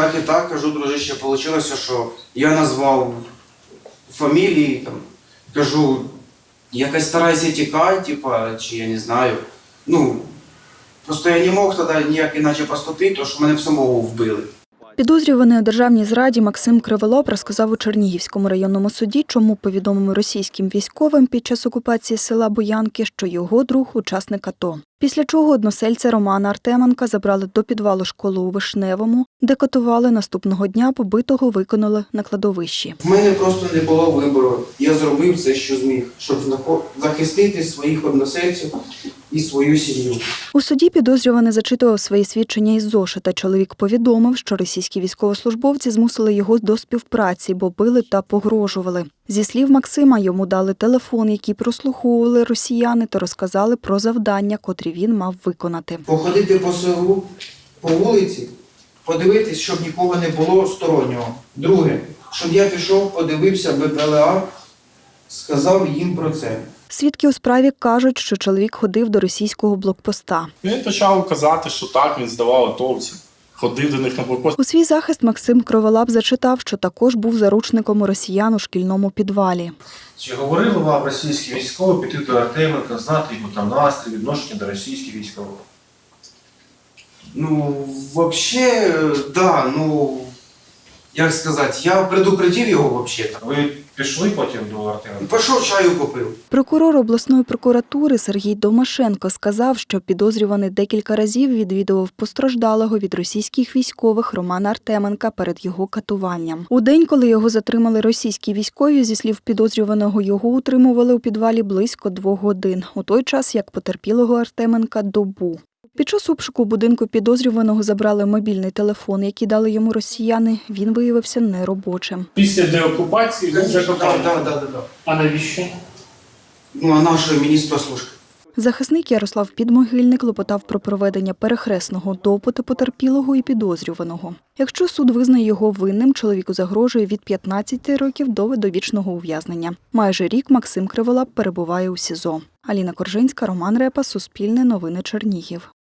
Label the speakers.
Speaker 1: і так, кажу, дружище, вийшло, що я назвав фамілії, там, кажу, якось старайся тікати, типа, чи я не знаю. Ну, просто я не мог тоді ніяк іначе поступити, тому що мене б самого вбили.
Speaker 2: Підозрюваний у державній зраді Максим Криволап розказав у Чернігівському районному суді, чому повідомив російським військовим під час окупації села Боянки, що його друг – учасник АТО. Після чого односельця Романа Артеменка забрали до підвалу школи у Вишневому, де катували. Наступного дня побитого виконали на кладовищі.
Speaker 1: В мене просто не було вибору. Я зробив все, що зміг, щоб захистити своїх односельців і свою сім'ю.
Speaker 2: У суді підозрюваний зачитував свої свідчення із зошита. Чоловік повідомив, що російські військовослужбовці змусили його до співпраці, бо били та погрожували. Зі слів Максима, йому дали телефон, який прослуховували росіяни, та розказали про завдання, котрі він мав виконати.
Speaker 1: Походити по селу, по вулиці, подивитись, щоб нікого не було стороннього. Друге, щоб я пішов, подивився БПЛА, сказав їм про це.
Speaker 2: Свідки у справі кажуть, що чоловік ходив до російського блокпоста.
Speaker 3: Він почав казати, що так, він здавав атовців, ходив до них на блокпост.
Speaker 2: У свій захист Максим Криволап зачитав, що також був заручником у росіян у шкільному підвалі.
Speaker 4: Чи говорили вам російські військові піти до Артеменка, знати його там настрій, відношення до російських військових?
Speaker 1: Ну, взагалі, да, ну, як сказати, я предупредив його взагалі-то.
Speaker 4: Ви пішли потім до Артеменка?
Speaker 1: Пішов, чаю купив.
Speaker 2: Прокурор обласної прокуратури Сергій Домашенко сказав, що підозрюваний декілька разів відвідував постраждалого від російських військових Романа Артеменка перед його катуванням. У день, коли його затримали російські військові, зі слів підозрюваного, його утримували у підвалі близько 2 годин. У той час, як потерпілого Артеменка – добу. Під час обшуку будинку підозрюваного забрали мобільний телефон, який дали йому росіяни. Він виявився неробочим.
Speaker 5: Після деокупації він закопав.
Speaker 1: Да.
Speaker 5: А навіщо?
Speaker 1: Ну, а наш міністр служби.
Speaker 2: Захисник Ярослав Підмогильник клопотав про проведення перехресного допиту потерпілого і підозрюваного. Якщо суд визнає його винним, чоловіку загрожує від 15 років до довічного ув'язнення. Майже рік Максим Криволап перебуває у СІЗО. Аліна Коржинська, Роман Репа, Суспільне новини Чернігів.